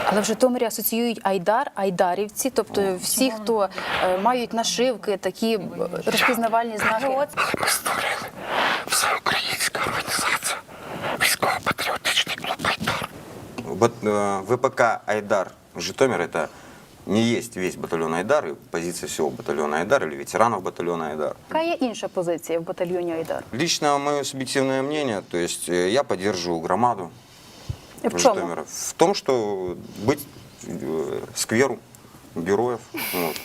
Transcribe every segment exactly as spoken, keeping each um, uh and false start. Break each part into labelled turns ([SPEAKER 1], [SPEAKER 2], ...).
[SPEAKER 1] Але в Житомирі асоціюють Айдар, айдарівці, тобто всі, хто е, мають нашивки, такі е, розпізнавальні знаки.
[SPEAKER 2] Але ми створили всеукраїнська організація, військово-патріотичний клуб «Айдар».
[SPEAKER 3] Вот, э, ВПК «Айдар» Житомир — это не есть весь батальон «Айдар» и позиция всего батальона «Айдар» или ветеранов батальона «Айдар».
[SPEAKER 1] Яка є інша позиція в батальйоні Айдар?
[SPEAKER 3] Лично мое субъективное мнение, то есть э, я поддерживаю громаду
[SPEAKER 1] В чому?
[SPEAKER 3] Житомира в том, что быть э, скверу героев. Вот.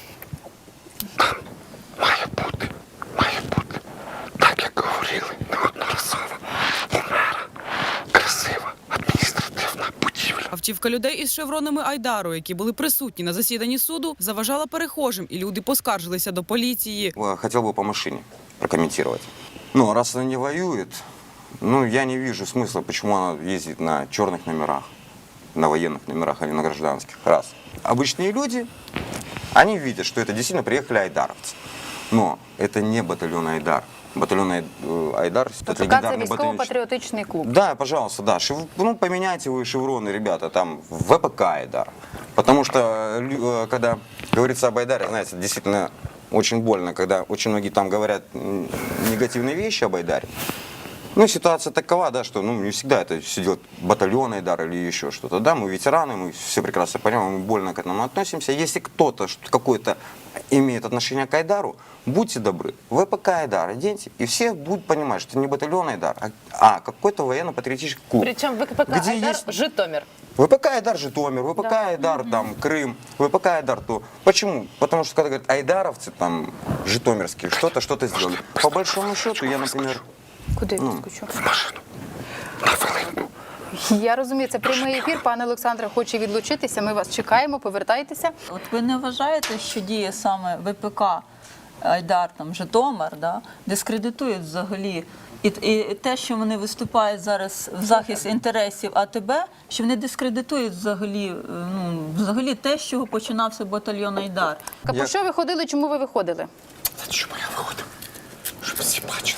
[SPEAKER 2] Має бути, має бути, так як говорили неодноразово, у мера красива адміністративна будівля.
[SPEAKER 4] Автівка людей із шевронами Айдару, які були присутні на засіданні суду, заважала перехожим, і люди поскаржилися до поліції.
[SPEAKER 3] Э, Хотел бы по машине прокомментировать. Ну, раз она не воюет, ну, я не вижу смысла, почему она ездит на черных номерах, на военных номерах, а не на гражданских. Раз. Обычные люди, они видят, что это действительно приехали айдаровцы. Но это не батальон «Айдар». Батальон Ай- э, «Айдар» — это
[SPEAKER 1] Тобто це
[SPEAKER 3] легендарный батальон.
[SPEAKER 1] військово-патріотичний клуб.
[SPEAKER 3] Да, пожалуйста, да. Шев- Ну, поменяйте вы шевроны, ребята, там, в ВПК «Айдар». Потому что, лю- э, когда говорится об «Айдаре», знаете, действительно очень больно, когда очень многие там говорят м, негативные вещи об «Айдаре». Ну, ситуация такова, да, что ну, не всегда это все делает батальон «Айдар» или еще что-то. Да, мы ветераны, мы все прекрасно понимаем, мы больно к этому относимся. Если кто-то что- какой-то имеет отношение к «Айдару», будьте добры, ВПК «Айдар» оденьте, и все будут понимать, что это не батальон «Айдар», а, а какой-то военно-патриотический клуб.
[SPEAKER 5] Причем ВПК
[SPEAKER 3] Где
[SPEAKER 5] «Айдар»
[SPEAKER 3] есть-
[SPEAKER 5] Житомир.
[SPEAKER 3] ВПК «Айдар» Житомир, ВПК «Айдар» там Крым, ВПК «Айдар» то. Почему? Потому что когда говорят айдаровцы, там, житомирские, что-то, что-то сделали. По большому счету, я, например,
[SPEAKER 1] Куди
[SPEAKER 3] Ну.
[SPEAKER 1] відскочу?
[SPEAKER 2] В машину. На хвилинку.
[SPEAKER 1] Я розумію, це прямий ефір. Пане Олександре хоче відлучитися. Ми вас чекаємо, повертайтеся.
[SPEAKER 6] От ви не вважаєте, що діє саме ВПК Айдар, там Житомир, да, дискредитують взагалі і, і те, що вони виступають зараз в захист інтересів АТБ, що вони дискредитують взагалі, е, ну, взагалі те, з чого починався батальйон Айдар.
[SPEAKER 1] А по що ви ходили, чому ви виходили?
[SPEAKER 2] Та чому я виходив? Щоб всі бачили.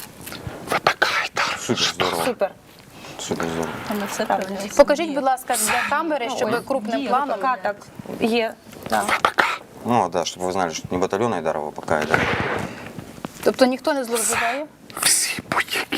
[SPEAKER 2] ВПК «Айдар».
[SPEAKER 3] супер здорово.
[SPEAKER 1] Супер.
[SPEAKER 3] Супер здорово.
[SPEAKER 6] Там все правильно.
[SPEAKER 1] Покажіть, будь ласка, для камери, щоб
[SPEAKER 6] Ой,
[SPEAKER 1] крупним
[SPEAKER 6] є
[SPEAKER 1] планом.
[SPEAKER 6] ВПК, так, є. Так.
[SPEAKER 3] Ну да, чтобы вы знали, что это не батальон «Айдар», а ВПК «Айдар».
[SPEAKER 1] Тобто ніхто не зловживає?
[SPEAKER 2] Всі будь-які